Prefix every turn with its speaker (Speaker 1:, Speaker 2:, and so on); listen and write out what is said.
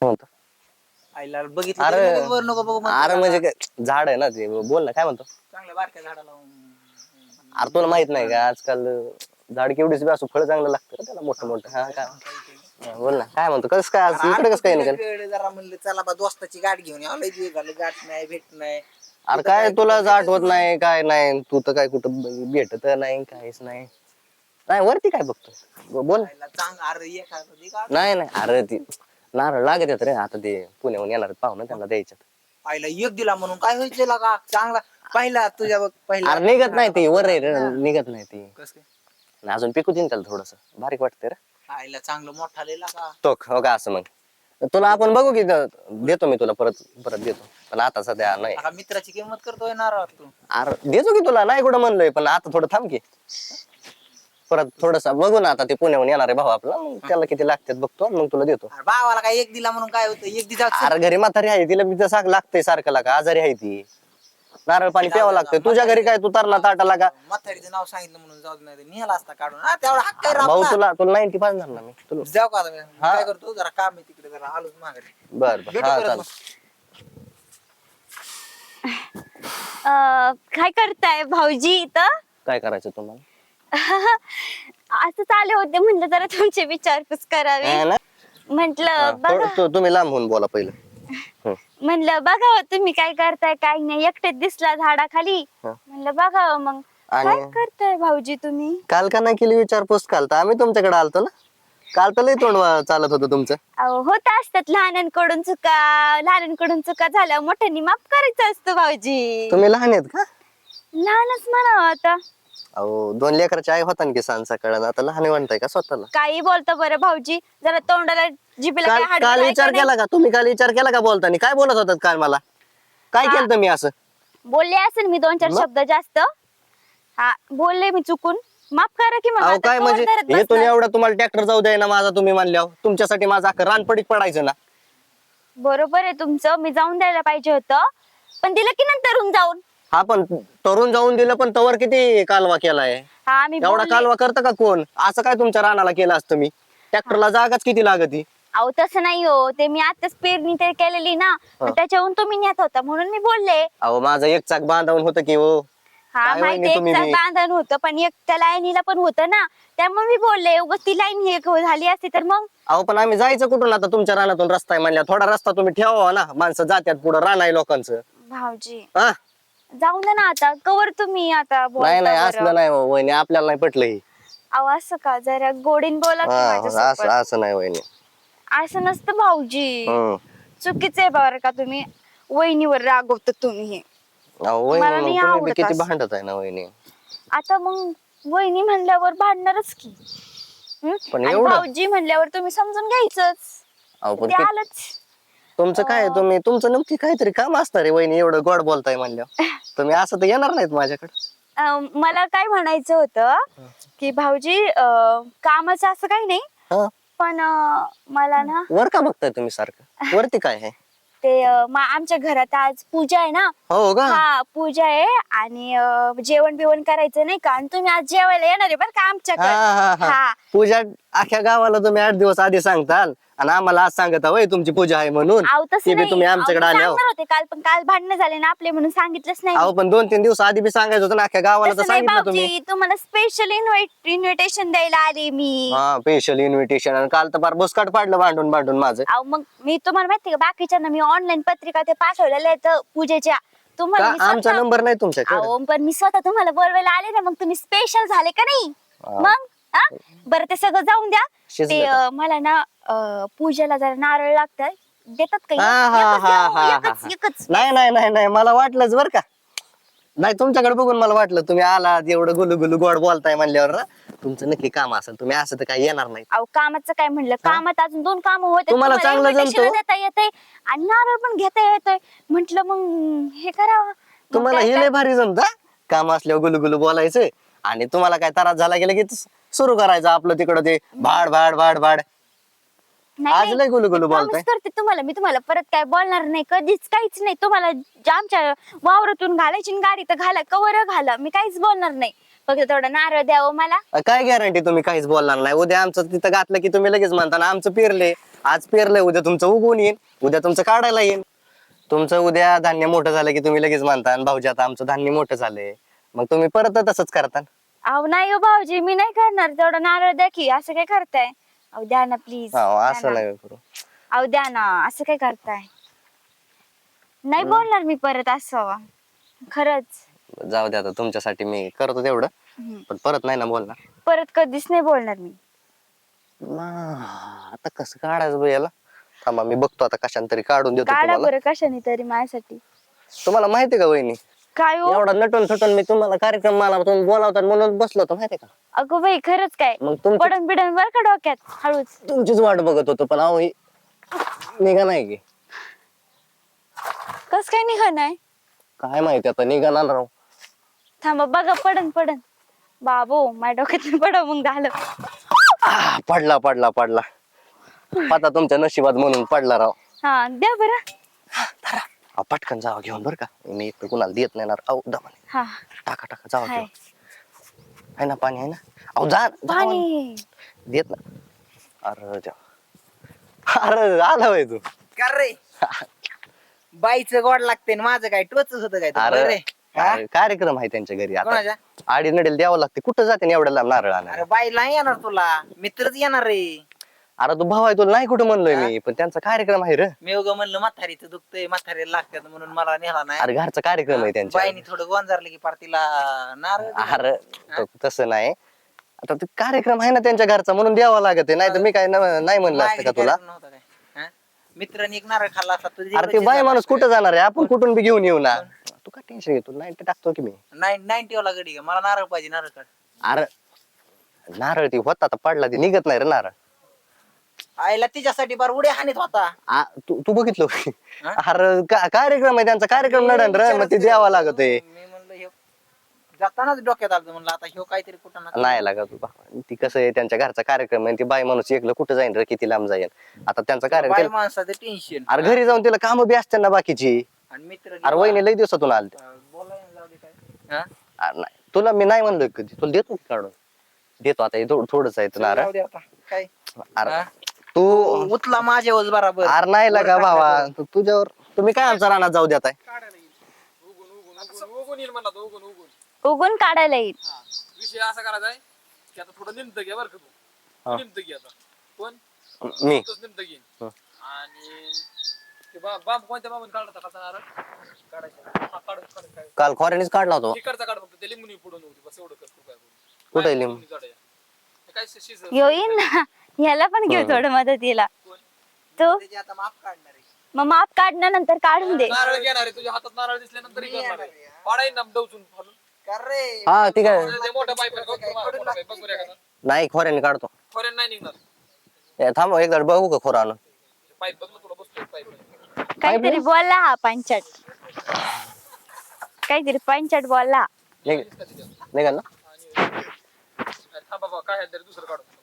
Speaker 1: म्हणतो
Speaker 2: आईला बघितलं
Speaker 1: अरे
Speaker 2: तरी लगेच वर नको बघू म्हणतो
Speaker 1: अरे
Speaker 2: का?
Speaker 1: म्हणजे काय झाड आहे ना ते बोल ना काय म्हणतो
Speaker 2: चांगल्या बारक्या झाडाला
Speaker 1: अरे तुला माहित नाही का आजकाल झाड केवढीच बी असू फळ चांगलं लागतं रे त्याला मोठं मोठं हा काय हा, बोल ना काय म्हणतो कसं काय आज इकडे कसं काय निघाल
Speaker 2: जरा म्हणलं चला बा दोस्ताची गाठ घेऊन यावं लय दिवस झाले गाठ नाही भेट नाही
Speaker 1: अरे काय तुला आठवत नाही काय नाही तू तर काय कुठं भेटत नाही काहीच नाही नाही वरती काय बघतो बोल
Speaker 2: आईला चांग अरे एखादं दे गाठ.
Speaker 1: नाही नाही अरे ती नारळ लागत येत रे आता ते पुण्याहून येणार पाहुणं त्यांना द्यायच्यात
Speaker 2: आईला एक दिला म्हणून काय व्हायचं का चांगला पहिला तुझ्या बघ पहिला
Speaker 1: अरे निघत नाही ती वर आहे रे निघत नाही ती
Speaker 2: कसं काय?
Speaker 1: आणि अजून पिकू देईन त्याला थोडस बारीक वाटतंय रे
Speaker 2: आईला चांगलं मोठा लिहिला का
Speaker 1: तो हो का असं मग तुला आपण बघू की देतो मी तुला परत परत देतो पण आता सध्या नाही
Speaker 2: आता मित्राची किंमत करतोय नारळ तू
Speaker 1: अरे देतो की तुला नाही कुठं म्हणलोय पण आता थोडं थांब की परत थोडस बघू ना आता ते पुण्याहून येणार आहे भाऊ आपला मग त्याला किती लागतात बघतो मग तुला देतो
Speaker 2: अरे भावाला काय एक दिला म्हणून काय होतं एक दिला
Speaker 1: अरे घरी म्हातारी आहे तिला मी तसं लागतंय सारखं लागा आजारी आहे ती नारळ पाणी प्यावं लागतंय तुझ्या घरी काय तू तरला ताटाला का
Speaker 2: म्हातारीचं नाव सांगितलं म्हणून जाऊ दे नाही नेला असता काढून हा तेवढा हक्क आहे रे
Speaker 1: भाऊ
Speaker 2: आपला.
Speaker 1: तुला तुला 90 पाजणार ना मी तुला
Speaker 2: जाऊ का आता मी? काय करतो जरा काम आहे तिकडे जरा आलोच माघारी
Speaker 1: बर बर
Speaker 2: भेटू
Speaker 1: हा
Speaker 2: परत
Speaker 1: चाल
Speaker 2: मग.
Speaker 3: काय करताय भाऊजी इथं
Speaker 1: काय करायचं तुम्हाला
Speaker 3: असंच आले होते म्हणलं जरा तुमची विचारपूस करावी
Speaker 1: हा ना?
Speaker 3: म्हंटल बघा
Speaker 1: तुम्ही लांब होऊन बोला पहिलं
Speaker 3: म्हणलं बघावं तुम्ही काय करताय काय नाही एकटेच दिसला झाडाखाली
Speaker 1: हं.
Speaker 3: म्हणलं बघावं मग काय
Speaker 1: आणि
Speaker 3: करताय भाऊजी तुम्ही
Speaker 1: काल का नाही केली विचारपूस काल तर आम्ही तुमच्याकडे आलतो ना काल तर लय तोंड चालत होतं तुमचं
Speaker 3: अहो होत असतात लहानांकडून चुका झाल्या मोठ्यांनी माफ करायचं असतं भाऊजी
Speaker 1: तुम्ही लहान आहेत का
Speaker 3: लहानच म्हणावं आता
Speaker 1: अहो 2 लेकराची आई होता ना की सांग सकाळ आता लहान म्हणताय का स्वतःला
Speaker 3: काही बोलतो बरं भाऊजी जरा तोंडाला जिभेला काय हाड
Speaker 1: काल
Speaker 3: आहे
Speaker 1: विचार
Speaker 3: का नाही?
Speaker 1: केला का तुम्ही काल विचार केला का बोलताना काय बोलत होतात काल मला काय केलं मी असं
Speaker 3: बोलले असेल मी 2-4
Speaker 1: मग?
Speaker 3: शब्द जास्त हा बोलले मी चुकून माफ करा की मग
Speaker 1: अहो
Speaker 3: आता
Speaker 1: काय
Speaker 3: तोंड
Speaker 1: म्हणजे
Speaker 3: धरत
Speaker 1: येतून
Speaker 3: बसणार.
Speaker 1: एवढा तुम्हाला ट्रॅक्टर जाऊ द्याय ना माझा तुम्ही म्हणल्यावर तुमच्यासाठी माझा अख्खं रानपडीत पडायचं ना
Speaker 3: बरोबर आहे तुमचं मी जाऊन द्यायला पाहिजे होतं पण दिलं की नंतरून जाऊन
Speaker 1: हा पण तरुण जाऊन दिलं पण तवर किती कालवा केलाय
Speaker 3: हा मी
Speaker 1: एवढा
Speaker 3: बोलले
Speaker 1: कालवा करतं का कोण असं काय तुमच्या रानाला केलं असतं मी ट्रॅक्टरला जागाच किती लागती
Speaker 3: अहो तसं नाही हो ते मी आताच पेरणी ते केलेली ना मग त्याच्याहून तुम्ही नेत होता म्हणून मी बोलले
Speaker 1: अहो माझं एक चाक बांधावून होतं की हो
Speaker 3: हा
Speaker 1: काय
Speaker 3: माहिती
Speaker 1: वहिनी तुम्ही
Speaker 3: एक
Speaker 1: बी?
Speaker 3: बांधण होतं पण एक त्या लाईनीला पण होतं ना त्यामुळे मी बोलले उगाच ती लाईन हे झाली असती तर मग
Speaker 1: अहो पण आम्ही जायचं कुठून आता तुमच्या रानातून रस्ता आहे म्हणल्या थोडा रस्ता तुम्ही ठेवा ना माणसं जात्यात पुढे रान आहे लोकांचं
Speaker 3: भाऊजी
Speaker 1: हा
Speaker 3: जाऊन दे ना आता कवर तुम्ही आता बोलता
Speaker 1: नाही नाही
Speaker 3: बरं.
Speaker 1: असलं नाही हो, वहिनी आपल्याला नाही पटलं ही
Speaker 3: अहो असं का जरा गोडीन बोला की
Speaker 1: हा,
Speaker 3: माझ्यासोबत.
Speaker 1: असं असं नाही वहिनी
Speaker 3: असं नसतं भाऊजी
Speaker 1: हम्म.
Speaker 3: चुकीचं आहे बरं का तुम्ही वहिनीवर रागवता तुम्ही हे
Speaker 1: अहो,
Speaker 3: मला
Speaker 1: वहिनी
Speaker 3: नाही
Speaker 1: मग तुम्ही बी
Speaker 3: आवडत
Speaker 1: किती
Speaker 3: असं.
Speaker 1: भांडत आहे ना वहिनी
Speaker 3: आता मग वहिनी म्हणल्यावर भांडणारच की
Speaker 1: पण
Speaker 3: आणि
Speaker 1: एवढं?
Speaker 3: भाऊजी म्हणल्यावर तुम्ही समजून घ्यायचंच
Speaker 1: अहो पण
Speaker 3: ते
Speaker 1: किती-
Speaker 3: आलंच
Speaker 1: तुमचं काय तुम्ही तुमचं नक्की काहीतरी काम असणार आहे वहिनी एवढं गोड बोलताय म्हणल्यावर तुम्ही असं तर येणार नाहीत माझ्याकडे
Speaker 3: मला काय म्हणायचं होतं की भाऊजी कामाचं असं काही नाही
Speaker 1: हा
Speaker 3: पण मला ना
Speaker 1: वर का बघताय तुम्ही सारखं वरती काय आहे
Speaker 3: ते आमच्या घरात आज पूजा आहे ना
Speaker 1: हो का
Speaker 3: हा पूजा आहे आणि जेवण बिवण करायचं नाही का आणि तुम्ही आज जेवायला येणार आहे बरं का
Speaker 1: हा
Speaker 3: आमच्याकडे
Speaker 1: हा हा
Speaker 3: हा
Speaker 1: पूजा अख्ख्या गावाला तुम्ही 8 दिवस आधी सांगताल आणि आम्हाला आज सांगता होय तुमची पूजा आहे म्हणून
Speaker 3: अहो
Speaker 1: ते
Speaker 3: तसं
Speaker 1: बी
Speaker 3: नाही
Speaker 1: तुम्ही आमच्याकडे
Speaker 3: अहो, मी
Speaker 1: आले हो
Speaker 3: सांगणार होते काल पण काल भांडणं झाले ना आपले म्हणून सांगितलंच नाही
Speaker 1: अहो पण 2-3 दिवस आधी बी सांगायचं होतं ना अख्ख्या गावाला तर
Speaker 3: तसं नाही
Speaker 1: सांगितलं तुम्ही
Speaker 3: भाऊजी तुम्हाला स्पेशल इन्व्हिटेशन द्यायला आले मी
Speaker 1: हा स्पेशल इन्व्हिटेशन आणि काल तर फार बुसकाट पाडलं भांडून भांडून माझं
Speaker 3: अहो मग मी तुम्हाला माहिती का बाकीच्यांना मी ऑनलाईन पत्रिका ते पाठवलेल्या आहेत पूजेच्या तुम्हाला
Speaker 1: का
Speaker 3: मी
Speaker 1: आमचा
Speaker 3: स्वतः-
Speaker 1: नंबर नाही तुमच्याकडे
Speaker 3: अहो पण मी स्वतः तुम्हाला बोलवायला आले ना मग तुम्ही स्पेशल झाले का नाही
Speaker 1: हा.
Speaker 3: मग हा बरं ते सगळं जाऊन द्या
Speaker 1: शिजलं
Speaker 3: ते
Speaker 1: का?
Speaker 3: मला ना पूजेला जरा नारळ लागतात देतात का
Speaker 1: हा, हा,
Speaker 3: एकच द्या
Speaker 1: हा,
Speaker 3: हो,
Speaker 1: हा,
Speaker 3: एकच
Speaker 1: हा.
Speaker 3: एकच
Speaker 1: नाही नाही नाही नाही मला वाटलंच बरं का नाही तुमच्याकडे बघून मला वाटलं तुम्ही आलात एवढं गुलू गुलू गोड बोलताय म्हणल्यावर ना तुमचं नक्की काम असेल तुम्ही असं तर काही येणार नाही
Speaker 3: अहो कामाचं काय म्हणलं कामात अजून 2 कामं होते
Speaker 1: तुम्हाला चांगलं जमतं?
Speaker 3: देता येतंय आणि नारळ पण घेता येतोय म्हंटल मग हे करावं मग
Speaker 1: तुम्हाला
Speaker 3: काय
Speaker 1: हे
Speaker 3: काय-
Speaker 1: लय भारी जमत काम असल्यावर गुलू गुलू बोलायचं आणि तुम्हाला काय त्रास झाला गेला की सुरू करायचं आपलं तिकडं ते भाड भाड भाड भाड
Speaker 3: नाही,
Speaker 1: आज
Speaker 3: नाही.
Speaker 1: लय गुलू गुलू
Speaker 3: मी
Speaker 1: बोलताय
Speaker 3: promise करते तुम्हाला मी तुम्हाला परत काय बोलणार नाही कधीच काहीच नाही तुम्हाला आमच्या वावरातून घालायची ना गाडी तर घाला कवर घाला मी काहीच बोलणार नाही फक्त थोडं नारळ द्यावं मला
Speaker 1: काय गॅरंटी तुम्ही काहीच बोलणार नाही उद्या आमचं तिथं घातलं की तुम्ही लगेच म्हणता ना आमचं पेरले आज पेरलंय उद्या तुमचं उगवून येईल, उद्या तुमचं काढायला येईल. तुमचं उद्या धान्य मोठं झालं की तुम्ही लगेच म्हणता भाऊजी आता आमचं धान्य मोठं झालंय, मग तुम्ही परत तसंच करता.
Speaker 3: अहो नाही हो भाऊजी, मी नाही करणार. तेवढं नारळ द्या की. असं काय करताय? अहो द्या ना प्लीज.
Speaker 1: असं नाही करू.
Speaker 3: अहो द्या ना. असं काय करताय? नाही बोलणार मी परत असं. खरंच.
Speaker 1: जाऊ दे आता, तुमच्यासाठी मी करतो तेवढं, पण परत नाही ना बोलणार.
Speaker 3: परत कधीच नाही बोलणार मी.
Speaker 1: आता कसं काढायचं बरं याला? थांबा मी बघतो आता, कशाने तरी काढून देतो
Speaker 3: काढा
Speaker 1: तुम्हाला.
Speaker 3: बरं कशाने तरी माझ्यासाठी.
Speaker 1: तुम्हाला माहिती का वहिनी,
Speaker 3: काय हो?
Speaker 1: एवढा नटून थटून मी तुम्हाला कार्यक्रम मला तुम्ही बोलावतात म्हणून बसलो होतो माहिती का?
Speaker 3: अगो बाई खरंच काय?
Speaker 1: मग तुमची
Speaker 3: पडन बिडन बर का डोक्यात हळूच.
Speaker 1: तुमचीच वाट बघत होतो, पण अहो निघा नाही की.
Speaker 3: कस काय निघाणार?
Speaker 1: काय माहिती आता निघाणार राव.
Speaker 3: थांबा बघा, पडन पडन. बाबो माझ्या डोक्यात पडा मग झालं.
Speaker 1: पडला पडला पडला. आता तुमच्या नशिबात म्हणून पडला राव.
Speaker 3: हा द्या बरं.
Speaker 1: पटकन जावा घेऊन बरं का, मी एक कुणाला देत नाही ना. अहो दमाने
Speaker 3: हा
Speaker 1: टाका टाका जावा
Speaker 3: हाय.
Speaker 1: घेऊन. आहे ना पाणी, आहे ना? अहो जा
Speaker 3: पाणी.
Speaker 1: देत ना. अरे अरे आला बाई तू.
Speaker 2: कर रे बाईचं गोड लागते आणि माझं काय टोच होतं काय तुला?
Speaker 1: अरे
Speaker 2: रे हा?
Speaker 1: अरे, कार्यक्रम आहे त्यांच्या घरी आता.
Speaker 2: कोणाच्या?
Speaker 1: आडी नडेल द्यावं लागते. कुठं जाते ना एवढ्या लांब नारळ आणायला?
Speaker 2: अरे बाईला नाही येणार तुला, मित्रच येणार रे.
Speaker 1: अरे तू भाऊ आहे, तुला नाही कुठं म्हणलोय मी, पण त्यांचा कार्यक्रम आहे रे.
Speaker 2: मी उगा म्हणलं म्हातारीचं दुखतंय, म्हातारीला लागतात म्हणून मला नेला नाही.
Speaker 1: अरे घरचा कार्यक्रम आहे त्यांच्या.
Speaker 2: बाईनी थोडं गोंजारलं की पार तिला नारळ दिला.
Speaker 1: अरे तसं नाही, आता ते कार्यक्रम आहे ना त्यांच्या घरचा म्हणून द्यावा लागत आहे. नाही तर मी काय नाही म्हणलं असतं का
Speaker 2: मागणी
Speaker 1: तुला?
Speaker 2: करायचं नव्हतं काय? हा? मित्रांनी एक नारळ खाल्ला असता तुझी
Speaker 1: अरे ते बाई माणूस कुठं जाणार आहे? आपण कुठून बी घेऊन येऊ ना. तू काय टेन्शन घेतो? नाही ते टाकतो की मी.
Speaker 2: 90 वाला गडी का? मला नारळ पाहिजे, नारळ काढ.
Speaker 1: अरे नारळ ती होता आता पडला, ती निघत नाही रे नारळ.
Speaker 2: आईला तिच्यासाठी बार उड्या हानीत होता.
Speaker 1: तू बघितलं होय? अरे कार्यक्रम आहे त्यांचा, कार्यक्रम नडन रे, मग ते द्यावा लागत आहे.
Speaker 2: मी म्हणलं ह्यो जातानाच डोक्यात आलं, म्हणलं आता ह्यो काहीतरी कुठं ना
Speaker 1: नाही लागत तुला. ती कसं आहे, त्यांच्या घरचा कार्यक्रम आहे. ती बाई माणूस एकलं कुठं जाईन रे, किती लांब जाईल. आता त्यांचा
Speaker 2: बाई
Speaker 1: कार्यक्रम,
Speaker 2: माणसाचं टेन्शन.
Speaker 1: अरे घरी जाऊन तिला काम बी असते ना बाकीची.
Speaker 2: आणि मित्र
Speaker 1: अरे वहिनी लई दिवसातून आलते.
Speaker 2: बोलायला जाऊ दे काय. हा?
Speaker 1: अरे नाही तुला मी नाही म्हणलोय कधी, तुला देतो की काढून. देतो आता, हे थोडंच आहे नारळ.
Speaker 2: जाऊ दे आता काय.
Speaker 1: अरे
Speaker 2: हा?
Speaker 1: तू
Speaker 2: उचला माझ्यावर बराबर.
Speaker 1: अरे नाही लागा भावा, तुझ्यावर तुम्ही काय आमचा रानात जाऊ देताय?
Speaker 3: उगून काढायला येईल.
Speaker 4: विषय असा करायचा आहे की आता थोडं निमत घ्या बरं का तू. निमत घ्या आता. पण
Speaker 1: मी
Speaker 4: निमत घेईन आणि ते बांब कोणत्या बांबून काढता काढता नारळ काढायचा. हा, काढ काढ काढ.
Speaker 1: काल खोऱ्यानेच काढला होता.
Speaker 4: तिकडचा काढ फक्त ते लिंबूनी पुढून होती बस एवढं कर तू काय करू.
Speaker 1: कुठे लिंबू?
Speaker 4: लिंबूनी काढायचं. ते काय शिज
Speaker 3: येईन ना. ह्याला पण घेऊ थोडं मदतीला. तू
Speaker 2: त्याची आता माप काढणार आहे.
Speaker 3: मग माप काढण्यानंतर काढून दे.
Speaker 4: नारळ घेणार आहे तुझ्या हातात नारळ दिसल्यानंतर करणार आहे. पाडायन ना डवचून फाडून.
Speaker 2: कर रे.
Speaker 1: हा ठीक आहे.
Speaker 4: ते मोठा पाईप आहे बघ तुम्हाला, मोठा पाईप बघ बरं एखादा.
Speaker 1: नाही खोऱ्याने काढतो.
Speaker 4: फॉरेन नाही निघणार.
Speaker 1: ए, थांब एकदा बघू का खोरा आणून.
Speaker 4: पाईप बघ ना तुला बसतो पाईप.
Speaker 3: काहीतरी बोलला हा पंचाट. काहीतरी पंचाट बोलला.
Speaker 1: निघाल ना?
Speaker 4: थांबा बाबा काय आहे तरी दुसरं काढू.